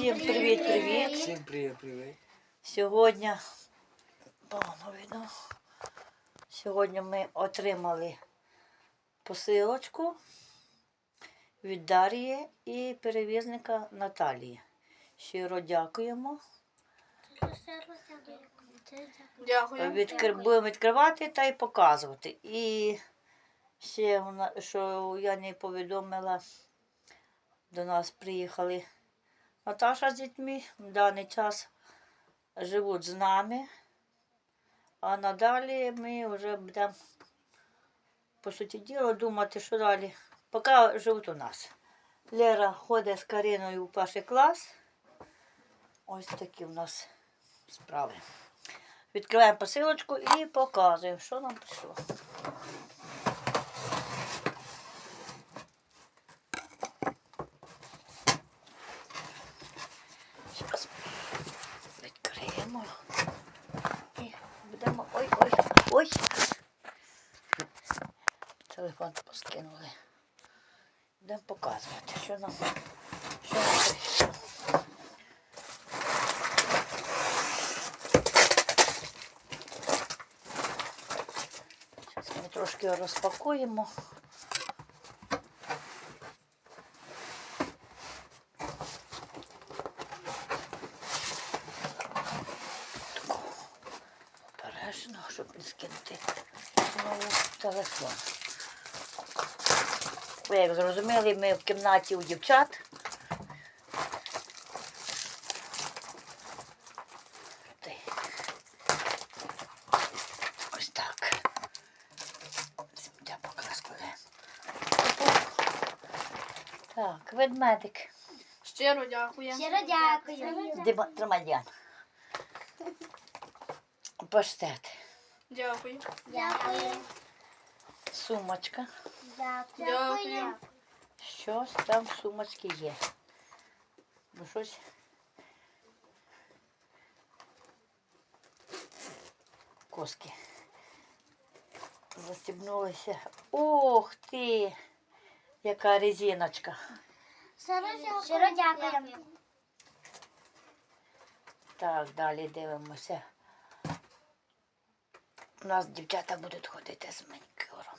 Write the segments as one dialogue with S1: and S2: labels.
S1: Всім привіт-привіт.
S2: Всім привіт-привіт.
S1: Сьогодні, видно, сьогодні ми отримали посилочку від Дар'ї і перевізника Наталії. Щиро дякуємо.
S3: Дякую.
S1: Будемо відкривати та й показувати. І ще, що я не повідомила, до нас приїхали Наташа з дітьми, в даний час живуть з нами, а надалі ми вже будемо, по суті діла, думати, що далі. Поки живуть у нас. Лера ходить з Кариною в перший клас. Ось такі у нас справи. Відкриваємо посилочку і показуємо, що нам прийшло. Зараз відкриємо і будемо... Ой! Телефон поскинули. Будемо показувати, що нам прийшло. Зараз ми трошки його розпакуємо. Обережно, щоб не скинути знову телефон. Ви як зрозуміли, ми в кімнаті у дівчат. Ось так. Сміття покраскує. Так, ведмедик.
S3: Щиро дякую.
S4: Щиро дякую.
S1: Тримай, Діана. Паштет.
S3: Дякую.
S4: Дякую.
S1: Сумочка.
S4: Дякую.
S1: Щось там в сумочці є. Ну щось. Коски. Застібнулися. Ох ти! Яка резиночка.
S4: Щиро дякую.
S1: Так, далі дивимося. У нас дівчата будуть ходити з манікюром.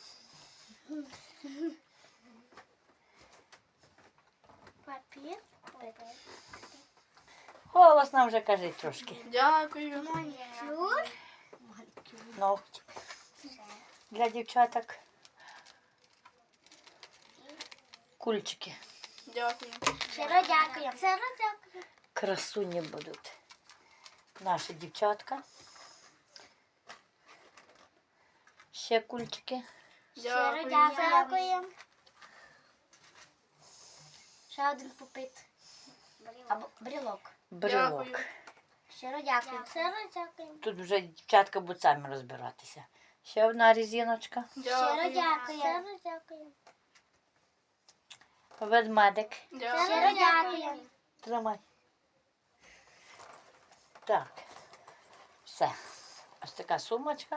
S4: Папір.
S1: Голосно вже кажи трошки.
S3: Дякую.
S4: Манікюр.
S1: Ногті. Для дівчаток. Кульчики.
S3: Дякую.
S4: Щиро дякую. Щиро дякую.
S1: Красуні будуть. Наші дівчатка. Ще кульчики.
S4: Щиро
S3: Дякую.
S4: дякую. Ще один пупит. Або брілок.
S1: Брелок.
S3: Дякую.
S4: Щиро дякую. Щиро дякую.
S1: Тут вже дівчатка будуть самі розбиратися. Ще одна резиночка.
S4: Щиро
S3: Дякую.
S4: дякую. Щиро дякую.
S1: Ведмедик.
S4: Щиро
S3: Дякую.
S4: дякую.
S1: Тримай. Так. Все. Ось така сумочка.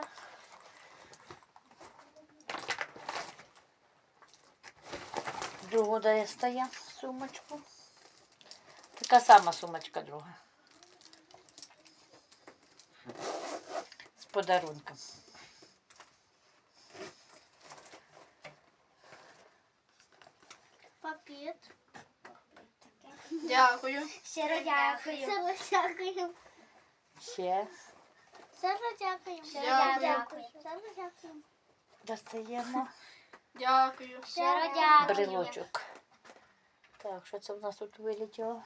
S1: Другу достає сумочку. Така сама сумочка друга. З подарунком.
S4: Папір.
S3: Дякую.
S4: Щиро дякую. Щиро дякую.
S1: Ще
S4: Щиро дякую. Щиро
S3: Дякую.
S4: дякую. Щиро дякую.
S1: достаємо
S3: Дякую.
S4: Щиро дякую.
S1: брелочок. Так, що це в нас тут вилетіло?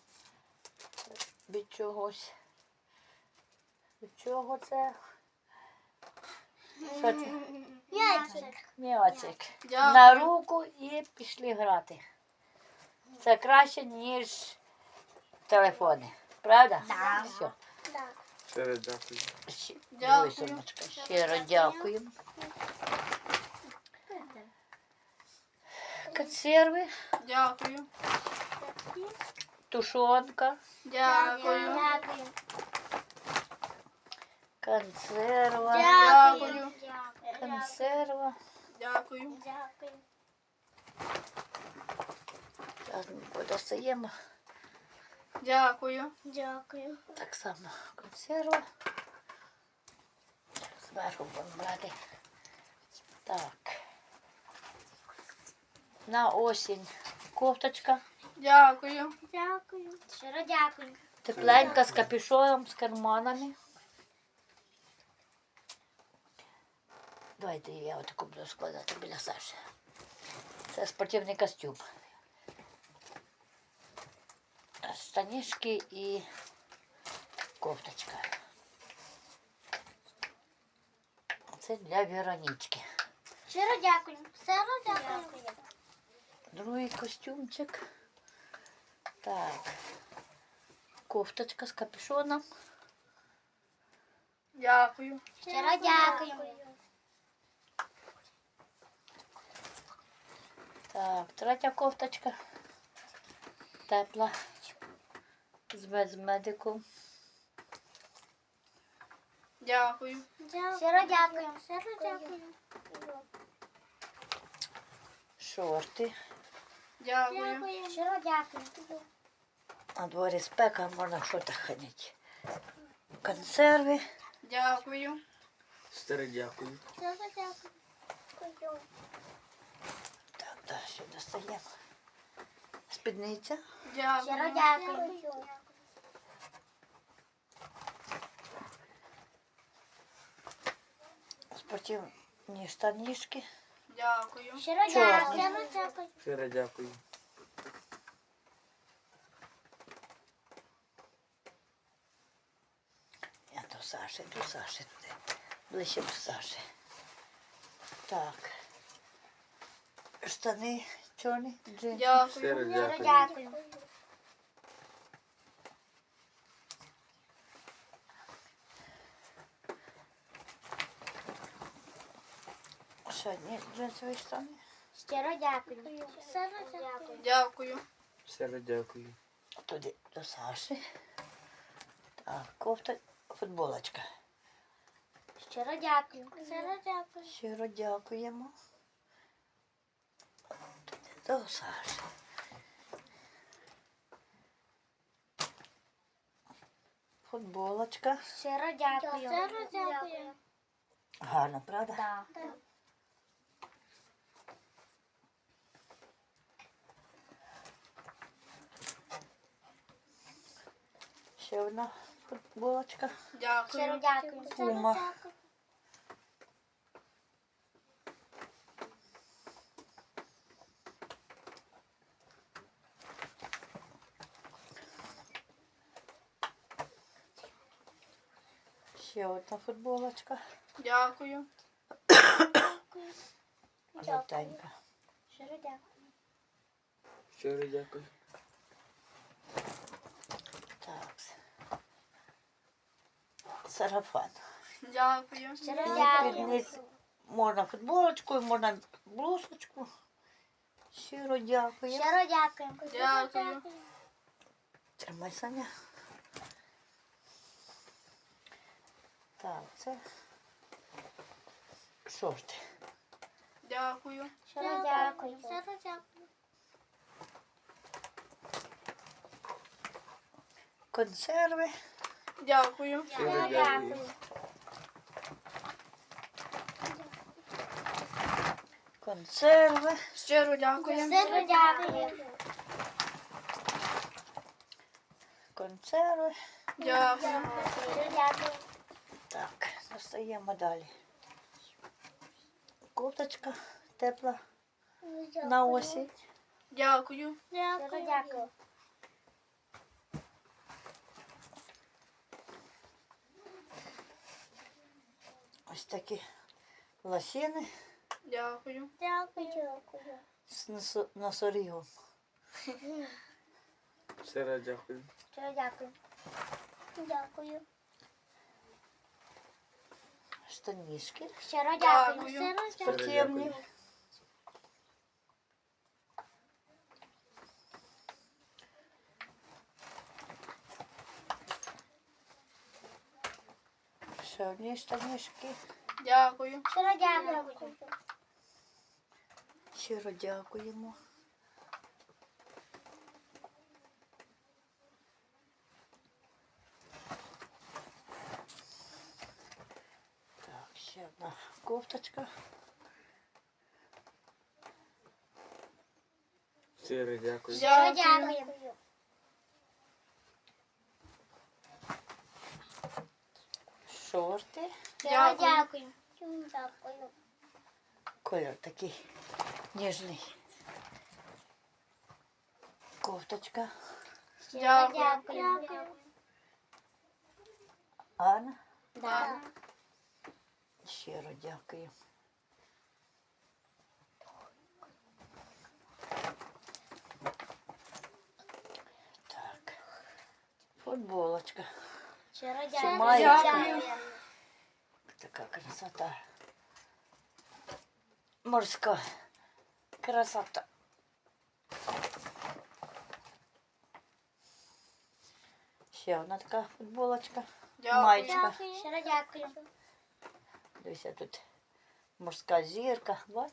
S1: Від чогось. Від чого це? Що це?
S4: М'ячик.
S1: М'ячик.
S3: Дякую.
S1: На руку і пішли грати. Це краще, ніж телефони. Правда?
S4: Да.
S1: Все.
S2: Щиро дякую.
S3: Дякую.
S1: Сумочка. Щиро дякую. Консерви,
S3: Дякую.
S1: тушонка,
S3: Дякую.
S4: Дякую.
S1: консерва,
S3: Дякую.
S1: консерва.
S3: Дякую.
S4: Дякую.
S1: Зараз ми подостаємо.
S3: Дякую.
S4: Дякую.
S1: Так само консерва. Зверху будемо брати. Так. На осінь кофточка.
S3: Дякую.
S4: Дякую. Щиро дякую.
S1: Тепленька з капюшоном, з карманами. Давайте я отаку буду складати біля Саші. Це спортивний костюм. Штанішки і кофточка. Це для Веронічки.
S4: Щиро дякую. Щиро дякую.
S1: Другий костюмчик. Так. Кофточка з капюшоном.
S3: Дякую.
S4: Щиро дякую.
S1: Так, третя кофточка. Тепла. З медиком.
S3: Дякую.
S4: Щиро дякую. Щиро дякую.
S1: Шорти.
S3: Дякую.
S4: Щиро дякую.
S1: На дворі спека, можна в шортах ходити. Консерви.
S3: Дякую.
S2: Щиро дякую.
S4: Щиро дякую.
S1: Так, далі достаємо. Спідниця.
S4: Щиро
S3: Дякую.
S4: дякую.
S1: Спортивні штанішки.
S3: Дякую.
S4: Щиро
S1: Чорний.
S4: дякую. Щиро дякую.
S2: Щиро дякую.
S1: Я до Саші. Ближче до Саші. Так. Штани чорні, джинси.
S3: Дякую.
S2: Щиро
S4: Щиро
S2: дякую.
S4: дякую.
S1: Ще одні джинсові штани.
S4: Щиро дякую. Щиро дякую.
S3: Дякую.
S2: Щиро дякую.
S1: Туди до Саші. Так, кофта, футболочка.
S4: Щиро дякую. Щиро дякую.
S1: Щиро дякуємо. Туди до Саші. Футболочка.
S4: Щиро дякую. Щиро дякую.
S1: Гарно, правда?
S4: Так.
S1: Ще одна футболочка.
S4: Щиро
S3: Дякую.
S4: дякую.
S1: Пума. Ще одна футболочка.
S3: Дякую.
S1: Жовтенька.
S4: Щиро дякую.
S2: Щиро дякую.
S1: Так. Сарафан.
S3: Дякую.
S4: Щиро
S1: Під
S4: дякую.
S1: низ можна футболочку, можна блузочку. Щиро дякую.
S4: Щиро дякую.
S3: Дякую.
S1: Тримай, Саня. Так, це шорти.
S3: Дякую.
S4: Щиро дякую. Щиро дякую.
S1: Консерви.
S3: Дякую.
S2: Щиро дякую.
S1: Консерви.
S3: Щиро дякую.
S4: Щиро дякую.
S1: Консерви.
S3: Дякую.
S4: Щиро дякую.
S1: Так, достаємо далі. Кофточка тепла на осінь.
S3: Дякую.
S4: Щиро дякую.
S1: Ось такі лосіни
S3: Дякую.
S4: Дякую.
S1: з носорігом.
S2: Щиро дякую.
S4: Щиро дякую. Дякую.
S1: Штанішки
S4: Щиро
S3: Дякую.
S4: дякую. Щиро дякую.
S1: спортивні. Ще одні штанішки.
S3: Дякую.
S4: Щиро дякую.
S1: Щиро дякуємо. Кофточка.
S2: Щиро дякую.
S4: Щиро
S3: Дякую.
S4: дякую.
S1: Шорти.
S4: Щиро
S3: Дякую.
S4: дякую. Дякую.
S1: Кольор такий ніжний. Кофточка.
S4: Щиро
S3: Дякую.
S4: дякую.
S1: Анна.
S4: Да.
S1: Щиро дякую. Так. Футболочка.
S4: Щиро
S1: маєчка.
S4: дякую.
S1: Така красота. Морська красота. Ще одна така футболочка.
S3: Дякую.
S1: Маєчка.
S4: Щиро дякую.
S1: Дивіться, тут морська зірка. Бач?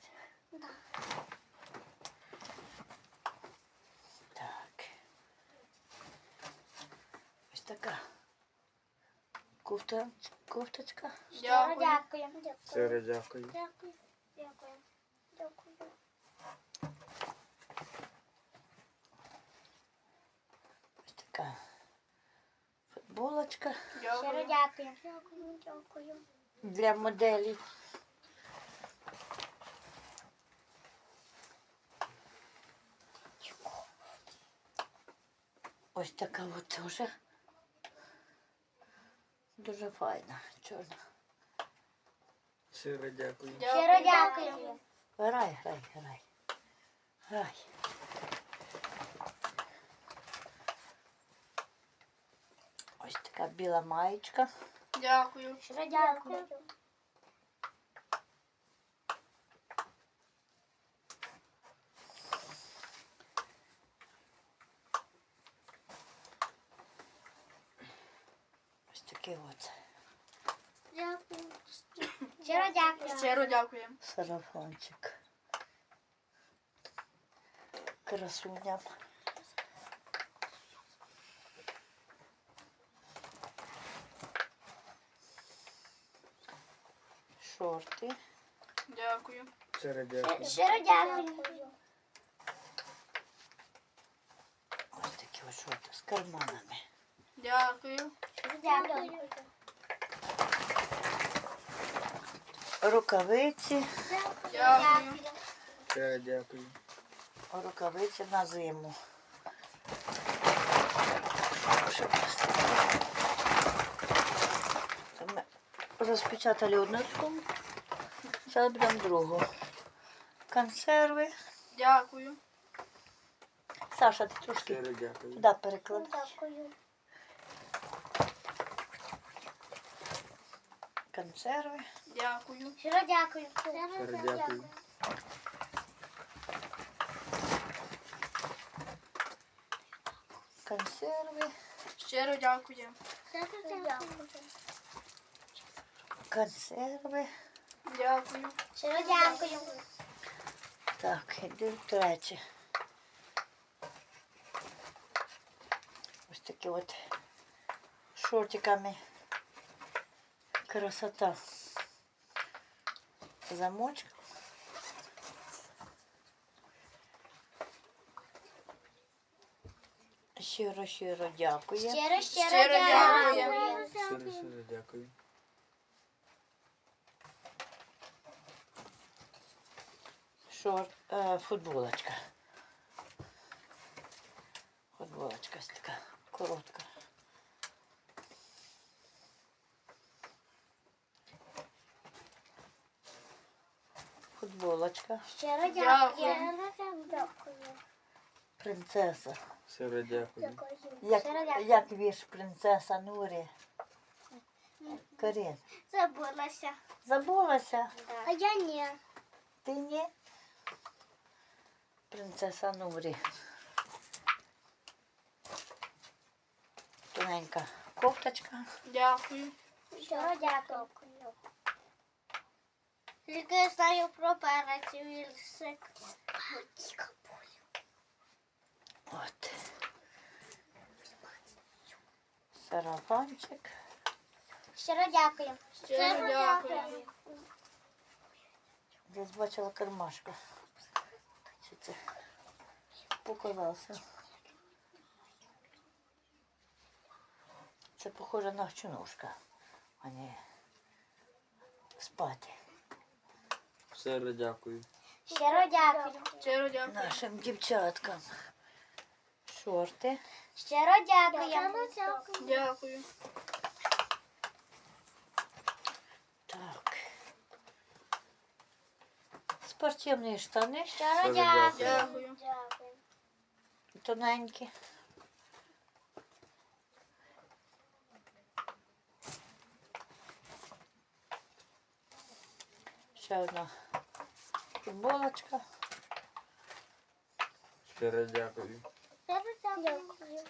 S1: Так. Ось така кофточка.
S4: Щиро
S3: Дякую.
S4: дякую.
S2: Щиро дякую.
S4: Дякую. Дякую. Дякую.
S1: Ось така футболочка
S4: Щиро
S3: Дякую.
S4: дякую. Дякую. Дякую.
S1: для моделів. Ось така от теж. Дуже файна, чорна.
S2: Щиро дякую.
S4: Щиро дякую.
S1: Грай. Грай. Ось така біла маєчка.
S3: Дякую.
S4: Щиро дякую.
S1: Ось такий от
S4: Дякую. Щиро дякую.
S3: Щиро дякую.
S1: сарафанчик. Красуня. Шорти.
S3: Дякую.
S2: Щиро дякую.
S4: Щиро дякую.
S1: Ось такі от шорти з карманами.
S3: Дякую.
S4: Дякую.
S1: Рукавиці.
S3: Дякую.
S2: Щиро дякую.
S1: Рукавиці на зиму. Ми розпечатали одну сумку. Зараз будемо другу. Консерви.
S3: Дякую.
S1: Саша, ти трошки
S2: Щиро дякую.
S1: туди перекладай.
S4: Дякую.
S1: Консерви.
S3: Дякую.
S4: Щиро дякую.
S2: Щиро дякую.
S1: Консерви.
S3: Щиро дякую.
S4: Щиро дякую.
S1: Консерви.
S3: Дякую.
S4: Щиро дякую.
S1: Так, йду третє. Ось такі от шортиками. Красота. Замочок. Щиро дякую.
S4: Щиро
S3: Щиро
S4: дякую.
S2: Щиро дякую.
S1: Футболочка. Футболочка ось така коротка. Футболочка.
S4: Щиро
S3: Дякую.
S4: дякую.
S1: Принцеса.
S2: Щиро дякую.
S1: Як,
S4: Щиро дякую.
S1: як вірш принцеса Нурі. Карін.
S4: Забулася.
S1: Забулася?
S4: А я ні.
S1: Ти ні? Принцеса Нурі. Тоненька кофточка.
S3: Дякую.
S4: Щиро дякую. Тільки я знаю про перець і вірсик.
S1: От. Сарафанчик.
S4: Щиро дякую.
S3: Щиро дякую.
S1: Десь бачила кармашка. Чи це показався? Це похоже на чунушка, а не спати.
S2: Щиро дякую.
S4: Щиро дякую.
S3: Щиро дякую.
S1: Нашим дівчаткам. Шорти.
S4: Щиро дякую.
S3: Дякую.
S1: Так. Спортивні штани.
S4: Щиро
S2: Щиро
S4: дякую.
S3: Дякую.
S1: Тоненькі. Ще одна футболочка.
S2: Щиро дякую.
S4: Щиро дякую.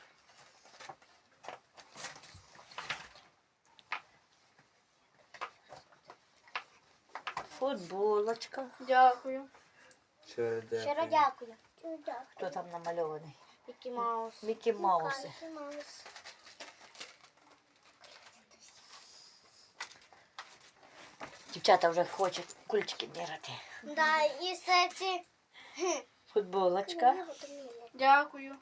S1: Футболочка.
S3: Дякую.
S2: Щиро
S4: Щиро
S2: дякую.
S4: дякую.
S1: Хто там намальований?
S4: Мікі Маус.
S1: Мікі Мауси. Дівчата вже хочуть кульчики міряти.
S4: Да, і кстати,
S1: Футболочка.
S3: Дякую.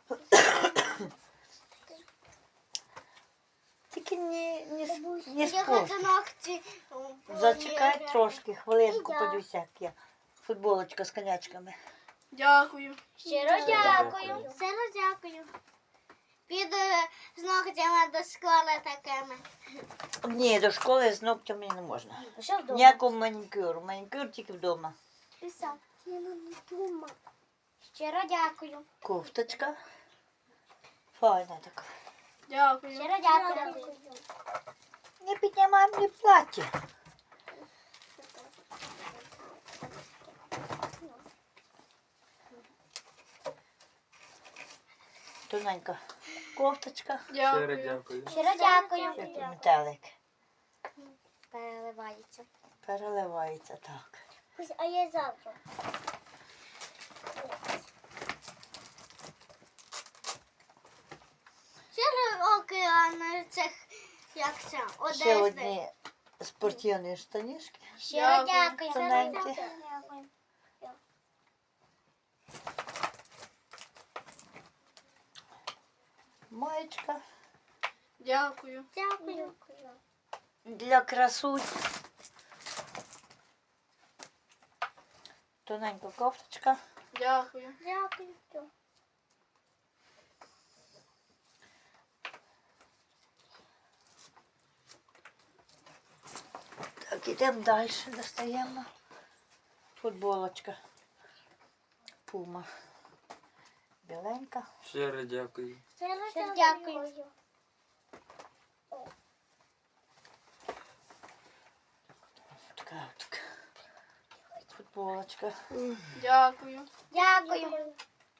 S1: Тільки не
S4: я
S1: спорт.
S4: хочу ногті.
S1: Зачекай трошки, хвилинку, подивися, як я. Футболочка з конячками.
S3: Дякую.
S4: Щиро
S2: дякую.
S4: дякую. Щиро дякую. Піду з ногтями до школи такими.
S1: Ні, до школи з ногтями не можна.
S4: Що вдома?
S1: Ніякого манікюру. Манікюр тільки вдома.
S4: Писав. Щиро дякую.
S1: Кофточка. Файна така.
S3: Дякую.
S4: Щиро дякую.
S1: Не піднімай мені плаття. Тоненька кофточка.
S2: Щиро
S3: Дякую.
S2: дякую.
S4: Щиро дякую.
S1: Ще тут метелик.
S4: Переливається.
S1: Переливається так.
S4: А я завтра. Щиро океан цих, як це,
S1: Ще
S4: Одеси.
S1: одні спортивні штанішки.
S4: Щиро
S3: Дякую.
S4: дякую.
S1: Тоненькі.
S4: Дякую.
S1: Маєчка.
S3: Дякую.
S4: Дякую.
S1: Для красунь. Тоненька кофточка.
S3: Дякую.
S4: Дякую.
S1: Так, ідемо далі, достаємо. Футболочка. Пума. Біленька.
S2: Щиро дякую.
S4: Щиро дякую.
S1: Така от футболочка.
S3: Дякую.
S4: Дякую.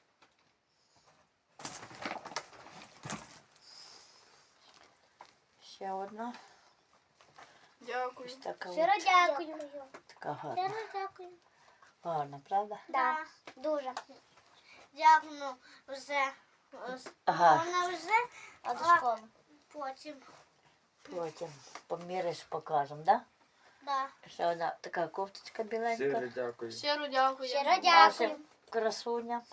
S1: Ще одна.
S3: Дякую.
S1: Ось така
S4: Щиро
S1: от.
S4: дякую.
S1: Така гарна.
S4: Щиро дякую.
S1: Гарна, правда?
S4: Да, дуже. Дякую вже.
S1: Ага.
S4: Вона вже а до школи. Потім.
S1: Потім поміряєш, покажемо, да?
S4: Да.
S1: Ще одна така кофточка біленька.
S2: Щиро дякую.
S3: Щиро дякую.
S4: Щиро дякую.
S1: Нашим красуням.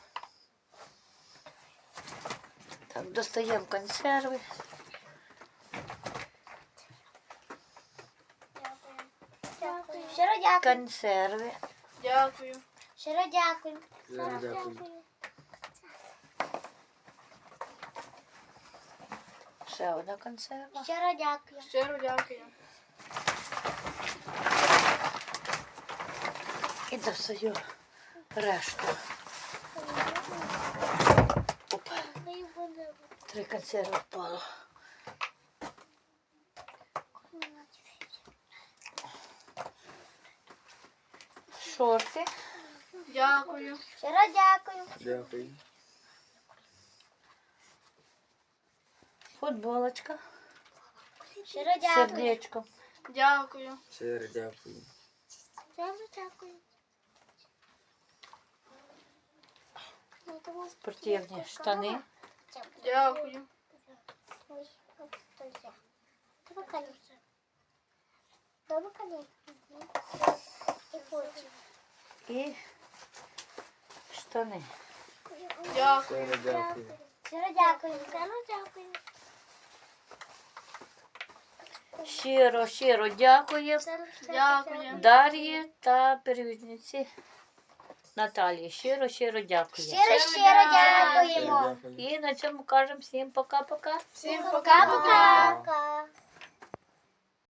S1: Так, достаємо консерви.
S4: Дякую. Щиро дякую.
S1: Консерви.
S3: Дякую.
S4: Щиро дякую.
S2: Щиро дякую.
S1: Ще одна консерва.
S4: Щиро дякую.
S3: Щиро дякую.
S1: І достаю решту. Опа, 3 консерви впало. Шорти.
S3: Дякую.
S4: Щиро дякую.
S2: Дякую.
S1: Футболочка.
S4: Щиро дякую.
S1: Сердечко.
S3: Дякую.
S2: Щиро дякую.
S4: Щиро дякую.
S1: Спортивні штани.
S3: Дякую.
S1: і штани.
S3: Дякую.
S2: Щиро дякую.
S4: Щиро дякую. Щиро дякую.
S1: Щиро дякую
S3: Дякую.
S1: Дар'ї та перевізниці Наталії. Щиро дякую.
S4: Щиро дякуємо.
S2: Щиро дякую.
S1: І на цьому кажемо всім пока-пока.
S3: Всім пока-пока.
S4: Пока.